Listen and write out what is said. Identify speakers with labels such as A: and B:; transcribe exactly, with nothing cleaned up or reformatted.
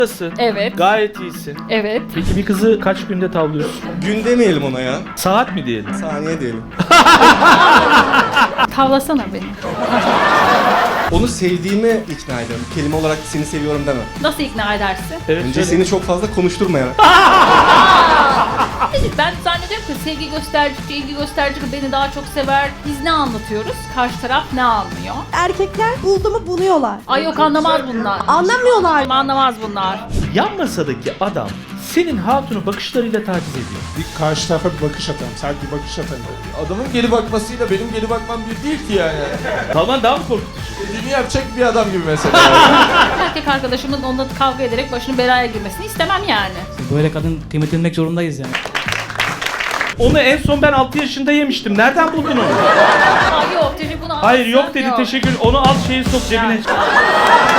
A: Nasılsın?
B: Evet.
A: Gayet iyisin.
B: Evet.
A: Peki bir kızı kaç günde tavlıyorsun?
C: Gün demeyelim ona ya.
A: Saat mi diyelim?
C: Saniye diyelim.
B: Tavlasana beni.
C: Onu sevdiğime ikna ederim. Kelime olarak seni seviyorum deme.
B: Nasıl ikna edersin?
A: Evet,
C: Önce
A: söyle.
C: seni çok fazla konuşturmayarak.
B: Ben zannediyorum ki sevgi göstericisi, ilgi göstericisi beni daha çok sever. Biz ne anlatıyoruz? Karşı taraf ne anlıyor?
D: Erkekler buldu mu buluyorlar.
B: Ay yok anlamaz bunlar.
D: Anlamıyorlar.
B: Anlamaz bunlar.
A: Yan masadaki adam senin hatunu bakışlarıyla taciz ediyor.
E: Bir karşı tarafa bir bakış atalım. Sert bir bakış atalım.
F: Adamın geri bakmasıyla benim geri bakmam bir değil ki yani.
A: Kalman daha mı korkutucu?
F: Dediğini yapacak bir adam gibi mesela.
B: Erkek arkadaşımın onunla kavga ederek başının belaya girmesini istemem yani.
G: Böyle kadın kıymet edilmek zorundayız yani.
A: Onu en son ben altı yaşında yemiştim. Nereden buldun onu?
B: Ay yok dedi bunu
A: Hayır yok
B: alsın,
A: dedi teşekkür. Onu al şeyi sok cebine.